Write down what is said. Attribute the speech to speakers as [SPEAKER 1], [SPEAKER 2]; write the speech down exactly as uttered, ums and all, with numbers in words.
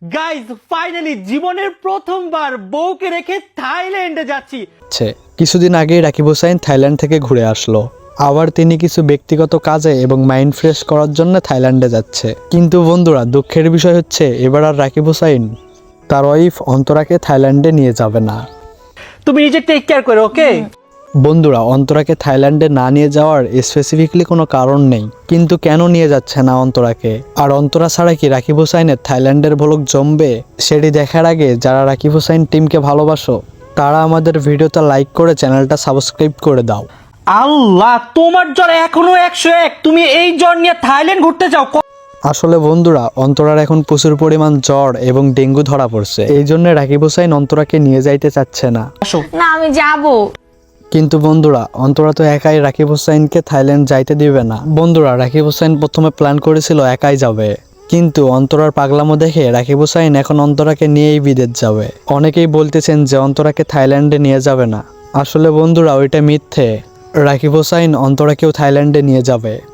[SPEAKER 1] Guys finally জীবনের প্রথমবার বউকে রেখে থাইল্যান্ডে যাচ্ছি।
[SPEAKER 2] কিছুদিন আগেই রাকিব হোসাইন থাইল্যান্ড থেকে ঘুরে আসলো। আবার তিনি কিছু ব্যক্তিগত কাজে এবং মাইন্ড ফ্রেশ করার জন্য থাইল্যান্ডে যাচ্ছে। কিন্তু বন্ধুরা, দুঃখের বিষয় হচ্ছে এবার আর রাকিব হোসাইন তার ওয়াইফ অন্তরাকে থাইল্যান্ডে নিয়ে যাবে না।
[SPEAKER 1] তুমি নিজে টেক কেয়ার করো, ওকে?
[SPEAKER 2] বন্ধুরা, অন্তরাকে থাইল্যান্ডে না নিয়ে যাওয়ার স্পেসিফিকলি কোনো কারণ নেই, কিন্তু কেন নিয়ে যাচ্ছে না অন্তরাকে, আর অন্তরা ছাড়া কি রাকিব হোসাইনের থাইল্যান্ডের ভ্লগ জমবে, সেটি দেখার আগে যারা রাকিব হোসাইন টিমকে ভালোবাসো তারা আমাদের ভিডিওতে লাইক করে চ্যানেলটা সাবস্ক্রাইব করে দাও।
[SPEAKER 1] আল্লাহ, তোমার জ্বর এখনো একশো এক, তুমি এই জ্বর নিয়ে থাইল্যান্ড ঘুরতে যাও?
[SPEAKER 2] আসলে বন্ধুরা, অন্তরার এখন প্রচুর পরিমাণ জ্বর এবং ডেঙ্গু ধরা পড়ছে, এই জন্য রাকিব হোসাইন অন্তরাকে নিয়ে যাইতে চাচ্ছে না।
[SPEAKER 3] না আমি যাব।
[SPEAKER 2] কিন্তু বন্ধুরা, অন্তরা তো একাই রাকিব হোসাইনকে থাইল্যান্ড যাইতে দিবে না। বন্ধুরা, রাকিব হোসাইন প্রথমে প্ল্যান করেছিল একাই যাবে, কিন্তু অন্তরার পাগলামো দেখে রাকিব হোসাইন এখন অন্তরাকে নিয়েই বিদেশ যাবে। অনেকেই বলতেছেন যে অন্তরাকে থাইল্যান্ডে নিয়ে যাবে না। আসলে বন্ধুরা, ওইটা মিথ্যে। রাকিব হোসাইন অন্তরাকেও থাইল্যান্ডে নিয়ে যাবে।